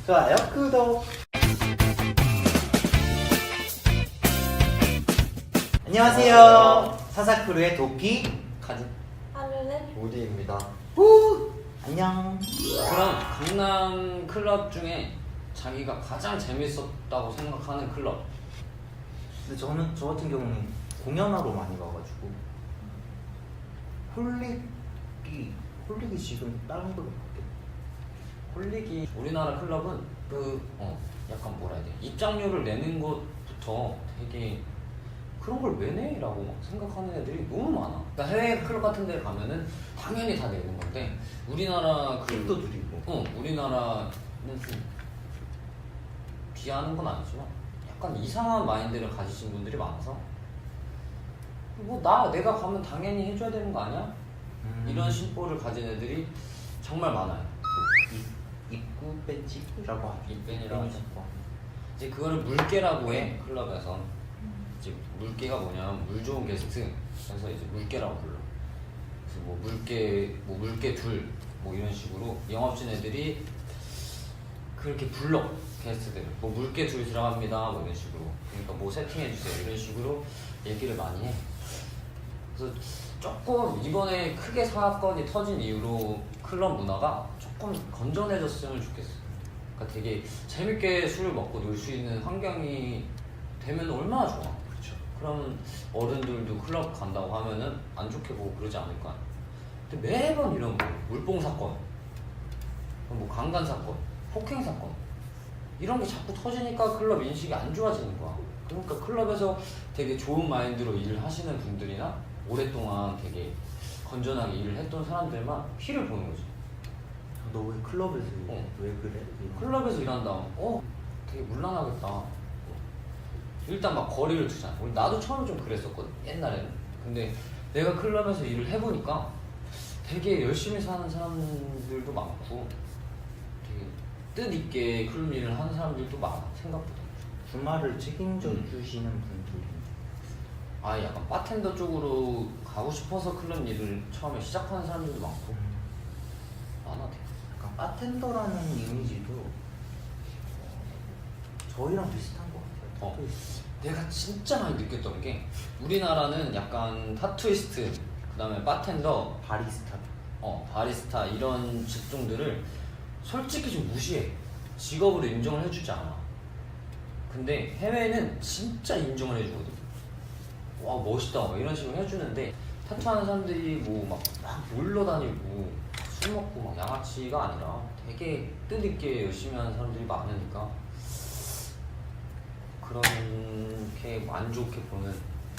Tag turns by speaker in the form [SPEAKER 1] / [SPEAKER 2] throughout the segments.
[SPEAKER 1] 좋아요, 구독. 안녕하세요. 사사크루의 도끼
[SPEAKER 2] 가지.
[SPEAKER 3] 하루는
[SPEAKER 1] 우디입니다. 후 안녕.
[SPEAKER 2] 그럼 강남 클럽 중에 자기가 가장 재밌었다고 생각하는 클럽.
[SPEAKER 1] 근데 저 같은 경우는 공연하러 많이 가가지고 홀릭이 지금 다른 걸로 바뀌었.
[SPEAKER 2] 홀릭이 우리나라 클럽은 약간 뭐라 해야 돼, 입장료를 내는 것부터 되게 그런 걸 왜 내? 라고 막 생각하는 애들이 너무 많아. 그러니까 해외 클럽 같은 데 가면은 당연히 다 내는 건데 우리나라
[SPEAKER 1] 팁도 드리고.
[SPEAKER 2] 우리나라는 좀 비하하는 건 아니지만 약간 이상한 마인드를 가지신 분들이 많아서 내가 가면 당연히 해줘야 되는 거 아니야? 이런 심보를 가진 애들이 정말 많아요.
[SPEAKER 1] 입구 배지라고 하죠.
[SPEAKER 2] 입밴이라고 하죠. 이제 그거를 물개라고 해. 클럽에서 이제 물개가 뭐냐면 물 좋은 게스트, 그래서 이제 물개라고 불러. 그래서 뭐 물개 둘 뭐 이런 식으로 영업진 애들이 그렇게 불러. 게스트들을 뭐 물개 둘 들어갑니다 뭐 이런 식으로, 그러니까 뭐 세팅해 주세요 이런 식으로 얘기를 많이 해. 그래서 조금 이번에 크게 사건이 터진 이후로 클럽 문화가 조금 건전해졌으면 좋겠어. 그러니까 되게 재밌게 술을 먹고 놀 수 있는 환경이 되면 얼마나 좋아.
[SPEAKER 1] 그렇죠.
[SPEAKER 2] 그럼 어른들도 클럽 간다고 하면은 안 좋게 보고 그러지 않을까. 근데 매번 이런 뭐 물뽕 사건, 뭐 강간 사건, 폭행 사건 이런 게 자꾸 터지니까 클럽 인식이 안 좋아지는 거야. 그러니까 클럽에서 되게 좋은 마인드로 일을 하시는 분들이나 오랫동안 되게 건전하게 일을 했던 사람들만 피를 보는 거지.
[SPEAKER 1] 너 왜 클럽에서
[SPEAKER 2] 어.
[SPEAKER 1] 왜 그래?
[SPEAKER 2] 클럽에서 일한다. 되게 물란하겠다. 일단 막 거리를 두잖아. 나도 처음에 좀 그랬었거든, 옛날에는. 근데 내가 클럽에서 일을 해보니까 되게 열심히 사는 사람들도 많고 되게 뜻있게 클럽 일을 하는 사람들도 많아, 생각보다.
[SPEAKER 1] 주말을 책임져 주시는 분들이.
[SPEAKER 2] 아예 약간 바텐더 쪽으로 가고 싶어서 클럽 일을 처음에 시작하는 사람들도 많고 많아. 되게.
[SPEAKER 1] 약간 바텐더라는 이미지도 저희랑 비슷한 것 같아요. 타투이스트.
[SPEAKER 2] 내가 진짜 많이 느꼈던 게 우리나라는 약간 타투이스트, 그 다음에 바텐더, 바리스타 이런 직종들을 솔직히 좀 무시해. 직업으로 인정을 해주지 않아. 근데 해외는 진짜 인정을 해주거든. 와 멋있다 막 이런 식으로 해주는데 타투하는 사람들이 막 놀러 다니고 술 먹고 막 양아치가 아니라 되게 뜻있게 열심히 하는 사람들이 많으니까 그렇게 안 좋게 보는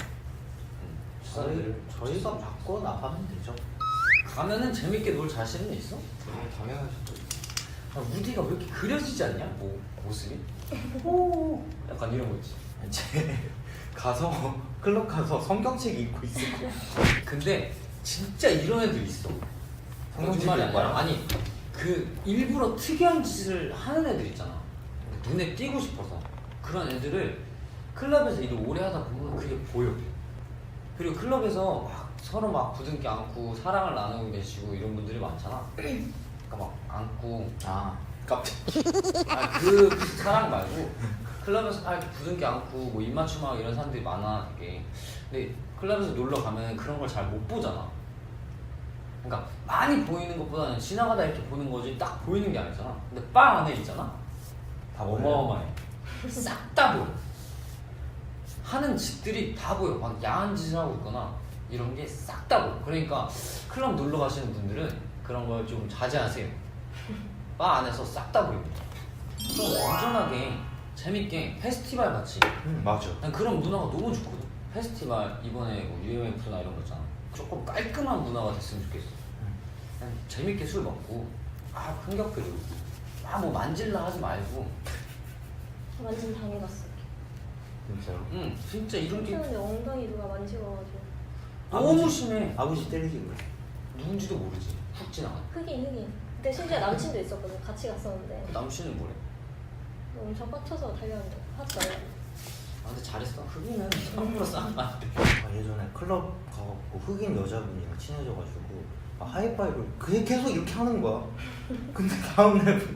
[SPEAKER 1] 저희가 바꿔 나가면 되죠.
[SPEAKER 2] 가면은 재밌게 놀 자신은 있어?
[SPEAKER 1] 당연하죠.
[SPEAKER 2] 우디가 왜 이렇게 그려지지 않냐? 모습이? 오 약간 이런 거 있지.
[SPEAKER 1] 이제 가서 클럽 가서 성경책 읽고 있을 거야.
[SPEAKER 2] 근데 진짜 이런 애들 있어.
[SPEAKER 1] 성경책
[SPEAKER 2] 거짓말이
[SPEAKER 1] 읽을 거야?
[SPEAKER 2] 아니라, 아니 그 일부러 특이한 짓을 하는 애들 있잖아. 눈에 띄고 싶어서. 그런 애들을 클럽에서 일을 오래 하다 보면 그게 보여. 그리고 클럽에서 막 서로 막 부둥켜 안고 사랑을 나누고 계시고 이런 분들이 많잖아. 그러니까 막 안고
[SPEAKER 1] 깜짝.
[SPEAKER 2] 그 사랑 말고 클럽에서 막 이렇게 부둥켜 안고 뭐 입맞춤하고 이런 사람들이 많아 되게. 근데 클럽에서 놀러 가면 그런 걸 잘 못 보잖아. 그러니까 많이 보이는 것보다는 지나가다 이렇게 보는 거지 딱 보이는 게 아니잖아. 근데 바 안에 있잖아. 다 어마어마해. 싹 다 보여. 하는 짓들이 다 보여. 막 야한 짓을 하고 있거나 이런 게 싹 다 보여. 그러니까 클럽 놀러 가시는 분들은 그런 걸 좀 자제하세요. 바 안에서 싹 다 보입니다. 좀 건전하게 재밌게 페스티벌 같이.
[SPEAKER 1] 맞아.
[SPEAKER 2] 난 그런 문화가 너무 좋거든. 페스티벌 이번에 뭐 UMF나 이런 거 있잖아. 조금 깔끔한 문화가 됐으면 좋겠어. 그냥 재밌게 술 먹고 흥겹게 놀고 뭐 만질라 하지 말고.
[SPEAKER 3] 완전 당해봤어.
[SPEAKER 1] 진짜로.
[SPEAKER 2] 응 진짜 이런 게
[SPEAKER 3] 근데 엉덩이 누가 만지고가지고
[SPEAKER 2] 너무 심해.
[SPEAKER 1] 아버지 때리신 거야?
[SPEAKER 2] 누군지도 모르지. 훅 지나가.
[SPEAKER 3] 흑인. 그때 심지어 남친도 있었거든. 같이 갔었는데
[SPEAKER 2] 남친은 뭐래?
[SPEAKER 3] 엄청 빡쳐서 달려왔는데 하지 말라고.
[SPEAKER 2] 근데 잘했어. 흑인은 함부로 싸면 안 돼.
[SPEAKER 1] 예전에 클럽 가갖고 흑인 여자분이랑 친해져가지고 하이파이브를 그게 계속 이렇게 하는 거야. 근데 다음날 보니까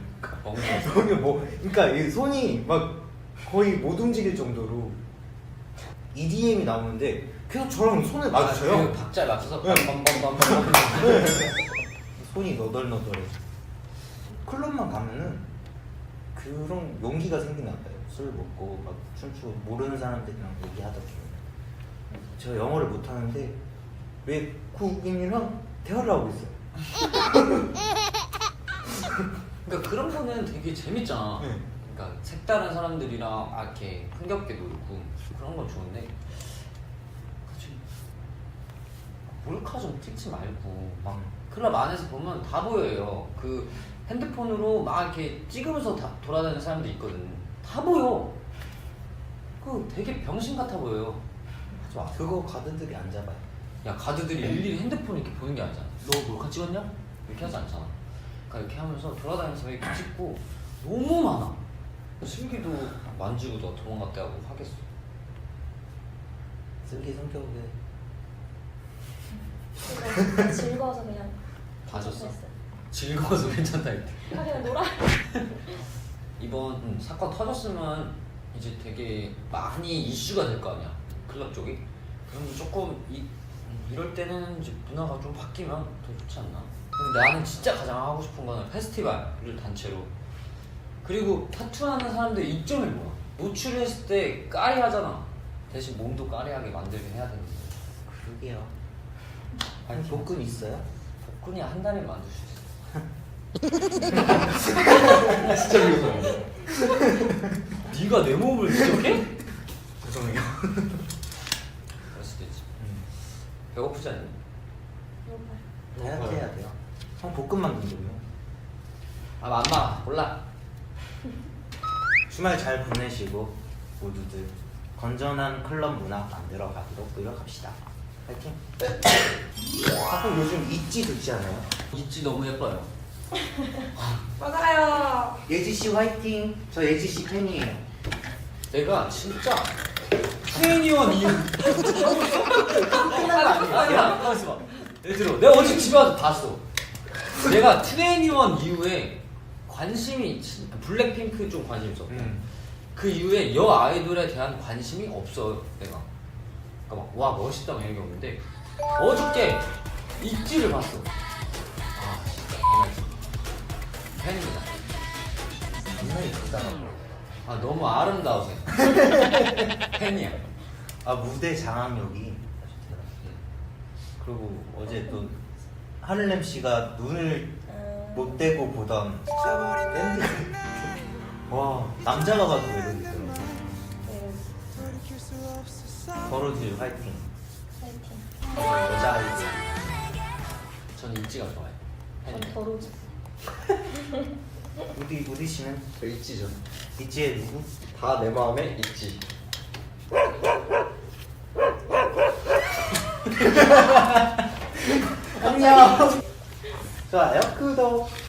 [SPEAKER 2] 멍청해.
[SPEAKER 1] 손이 뭐 그러니까 이 손이 막 거의 못 움직일 정도로 EDM이 나오는데 계속 저랑 손을 마주쳐요.
[SPEAKER 2] 그 박자에 맞춰서
[SPEAKER 1] 네.
[SPEAKER 2] 빰빰빰빰빰.
[SPEAKER 1] 손이 너덜너덜해. 클럽만 가면은 그런 용기가 생기나 봐요. 술 먹고 막 춤추고 모르는 사람들이랑 얘기하다 보면 제가 영어를 못 하는데 외국인이랑 대화를 하고 있어요.
[SPEAKER 2] 그러니까 그런 거는 되게 재밌잖아.
[SPEAKER 1] 네.
[SPEAKER 2] 그러니까 색다른 사람들이랑 이렇게 흥겹게 놀고 그런 건 좋은데 그치 몰카 좀 찍지 말고 막 클럽 안에서 보면 다 보여요. 그 핸드폰으로 막 이렇게 찍으면서 다 돌아다니는 사람들 있거든. 다 보여. 그 되게 병신 같아 보여요. 하지 마.
[SPEAKER 1] 그거 가드들이 안 잡아요.
[SPEAKER 2] 야 가드들이 일일이 핸드폰 이렇게 보는 게 아니잖아. 너 몰카 찍었냐? 이렇게 하지 않잖아. 그러니까 이렇게 하면서 돌아다니면서 이렇게 찍고 너무 많아. 슬기도 만지고 너 도망갔다 하고 하겠어.
[SPEAKER 1] 슬기 성격에
[SPEAKER 3] 그래서 즐거워서 그냥
[SPEAKER 2] 봐줬어?
[SPEAKER 3] 했어요.
[SPEAKER 2] 즐거워서 괜찮다 이렇게.
[SPEAKER 3] 그냥 놀아.
[SPEAKER 2] 이번 사건 터졌으면 이제 되게 많이 이슈가 될 거 아니야 클럽 쪽이. 그럼 조금 이럴 때는 이제 문화가 좀 바뀌면 더 좋지 않나. 근데 나는 진짜 가장 하고 싶은 거는 페스티벌을 단체로. 그리고 타투하는 사람들의 이점이 뭐야? 노출을 했을 때 까리하잖아. 대신 몸도 까리하게 만들긴 해야 되는데.
[SPEAKER 1] 그러게요.
[SPEAKER 2] 아니,
[SPEAKER 1] 아니 복근 있어요?
[SPEAKER 2] 복근이 한 달에 만들 수 있어.
[SPEAKER 1] 진짜 미워요.
[SPEAKER 2] 네가 내 몸을 지적해?
[SPEAKER 1] 죄송해요.
[SPEAKER 2] 그럴 수도 있지. 배고프지 않니?
[SPEAKER 3] 배고파요.
[SPEAKER 1] 다이어트 해야 돼요. 형 복근 만든다고요?
[SPEAKER 2] 아 맘마 몰라.
[SPEAKER 1] 주말 잘 보내시고 모두들 건전한 클럽 문화 만들어 가도록 노력합시다. 파이팅! 가끔 요즘 있지 듣지 않아요?
[SPEAKER 2] 있지 너무 예뻐요.
[SPEAKER 3] 맞아요.
[SPEAKER 1] 예지씨 화이팅! 저 예지씨 팬이에요.
[SPEAKER 2] 내가 진짜 트웬티원 이후 야 가만있어 봐. 예를 들어 내가 어제 집에 와서 봤어. 내가 트웬티원 이후에 관심이 블랙핑크 좀 관심 있어. 그 이후에 여 아이돌에 대한 관심이 없어 내가. 그러니까 막 와 멋있다 막 이런 게 없는데 어저께 있지를 봤어. 아 진짜 팬입니다.
[SPEAKER 1] 굉장히 크다.
[SPEAKER 2] 아 너무 아름다우세요. 팬이야.
[SPEAKER 1] 아 무대 장악력이 아주 대단해. 그리고 어제 또 하늘렘 씨가 눈을 못 떼고 보던 밴드. 와 남자가 봐도 매력있더라고. 버러지 화이팅.
[SPEAKER 3] 파이팅.
[SPEAKER 1] 여자 아이들.
[SPEAKER 2] 저는 있지가 좋아요.
[SPEAKER 3] 전
[SPEAKER 2] 팬이에요.
[SPEAKER 3] 더러우지.
[SPEAKER 1] 우디 씨는
[SPEAKER 4] 저 있지죠.
[SPEAKER 1] 있지의 누구?
[SPEAKER 4] 다 내 마음에 있지.
[SPEAKER 1] 안녕. 좋아요 구독.